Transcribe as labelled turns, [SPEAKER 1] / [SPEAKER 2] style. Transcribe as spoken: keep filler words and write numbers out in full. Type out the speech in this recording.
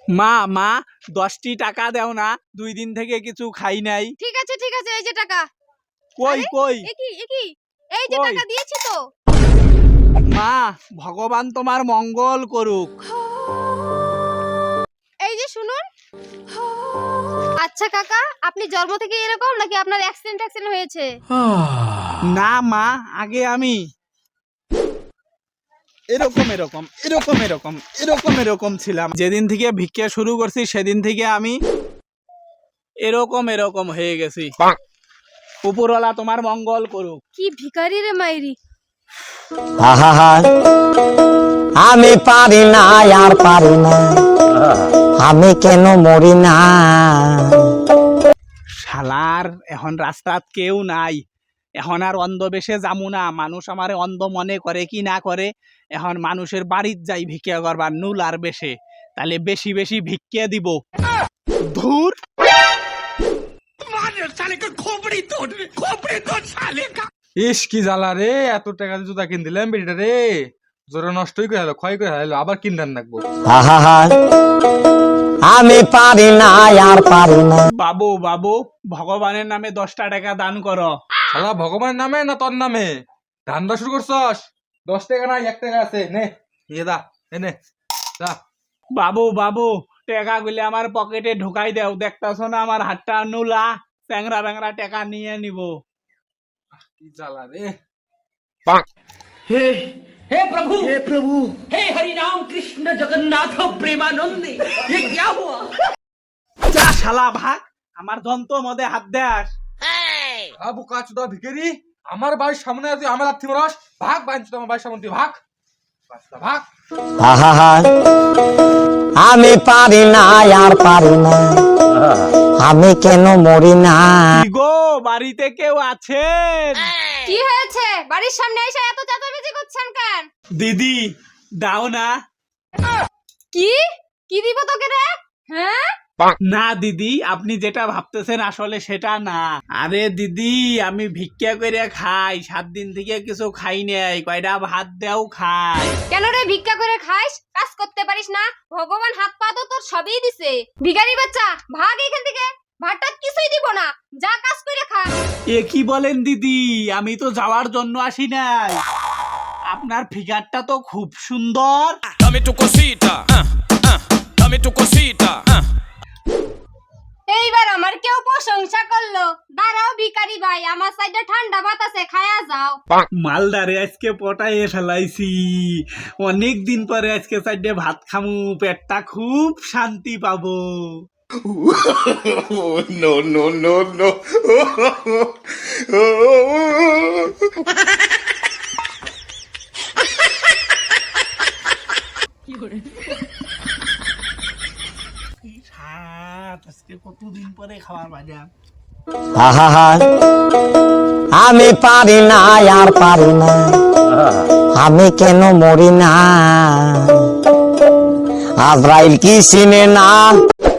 [SPEAKER 1] মা মা দশটি টাকা দাও না, দুই দিন থেকে কিছু খাই নাই।
[SPEAKER 2] ঠিক আছে ঠিক আছে, এই যে টাকা।
[SPEAKER 1] কই কই
[SPEAKER 2] একই একই, এই যে টাকা দিয়েছি তো।
[SPEAKER 1] মা ভগবান তোমার মঙ্গল করুক।
[SPEAKER 2] এই যে শুনুন। আচ্ছা কাকা, আপনি জন্ম থেকে এরকম নাকি আপনার অ্যাক্সিডেন্ট অ্যাক্সিডেন্ট হয়েছে?
[SPEAKER 1] না মা, আগে আমি এরকম এরকম এরকম এরকম এরকম এরকম ছিলাম। যেদিন থেকে ভিক্ষা শুরু করছি সেদিন থেকে আমি এরকম এরকম হয়ে গেছি। উপরওয়ালা তোমার মঙ্গল করুক।
[SPEAKER 2] কি ভিখারি রে মাইরি।
[SPEAKER 3] আমি পারি না আর পারি না, আমি কেন মরি না।
[SPEAKER 1] শালার এখন রাস্তাত কেউ নাই, এখন আর অন্ধ বেশে যামু না। মানুষ আমারে অন্ধ মনে করে কি না করে, এখন মানুষের বাড়িত যাই ভিক্ষা করবার নুল আর বেশে, তাহলে বেশি বেশি ভিক্ষা দিব। ধুর
[SPEAKER 4] ইস কি জ্বালা রে, এত টাকা দিয়ে জুতা কিন দিলাম বেটিটা রে, জোরে নষ্টই করে হলো, ক্ষয় করে হলো, আবার কিনতেন রাখবো।
[SPEAKER 3] আমি পারি না আর পারি না।
[SPEAKER 1] বাবু বাবু ভগবানের নামে দশটা টাকা দান করো।
[SPEAKER 4] শালা ভগবানের নামে না তোর নামে ধান্দা শুরু করছস? দশ টাকা নাই, এক টাকা আছে, নে নিয়ে দা, নে দা।
[SPEAKER 1] বাবু বাবু টাকা গুলি আমার পকেটে ঢুকাই দেও, দেখতাছ না আমার হাতটা নুলা, চ্যাংরা ব্যাংরা টাকা নিয়ে নিব।
[SPEAKER 4] কি জ্বালা রে।
[SPEAKER 5] हे हे प्रभु हे प्रभु हे हरि राम कृष्ण जगन्नाथ प्रेमानंदी, ये क्या हुआ?
[SPEAKER 1] যা শালা ভাগ, আমার যন্ত্র মধ্যে হাত দেস।
[SPEAKER 4] আবু কাচুদা ভিখারি, আমার বাড়ির সামনে আছে, আমার লাথি মারস, ভাগ বাইন আমার বাড়ির সামনে দিয়ে ভাগ, বাচ্চা ভাগ।
[SPEAKER 3] আমি পারি না আর পারি না, আমি কেন মরি না।
[SPEAKER 1] কি গো, বাড়িতে কেউ আছেন?
[SPEAKER 2] কি হয়েছে? বাড়ির সামনে এসে এত চেঁচামেচি করছেন কেন?
[SPEAKER 1] দিদি দাও না।
[SPEAKER 2] কি কি দিব তোকে রে? হ্যাঁ
[SPEAKER 1] না দিদি, আপনি যেটা ভাবতেছেন আসলে সেটা না। আরে দিদি, আমি ভিক্ষা করে খাই, সাত দিন থেকে কিছু খাই নাই, কয়টা ভাত দেও খাই।
[SPEAKER 2] কেন রে ভিক্ষা করে খাইস? কাজ করতে পারিস না? ভগবান হাত পা তো তোর সবই দিছে। ভিখারি বাচ্চা, ভাগ এখান থেকে, ভাতটা কিছুই দিব না, যা কাজ করে খা।
[SPEAKER 1] এ কি বলেন দিদি, আমি তো যাওয়ার জন্য আসি নাই। আপনার ফিগারটা তো খুব সুন্দর।
[SPEAKER 6] Dame tu cosita, ah, ah, dame tu cosita, ah.
[SPEAKER 2] এইবার আমার কেউ প্রশংসা করলো। দাঁড়াও ভিখারি ভাই, আমার সাইডে ঠান্ডা ভাত আছে, খায়া যাও।
[SPEAKER 1] মালদারে আজকে পটাইয়ে ফেলাইছি, অনেক দিন পরে আজকে সাইডে ভাত খামু, পেটটা খুব শান্তি পাবো।
[SPEAKER 6] No, no, no, no.
[SPEAKER 1] আজকে কতদিন পরে খাওয়ার বাজা।
[SPEAKER 3] আমি পারি না আর পারি না, আমি কেন মরি না। আজরাইল কি চিনে না।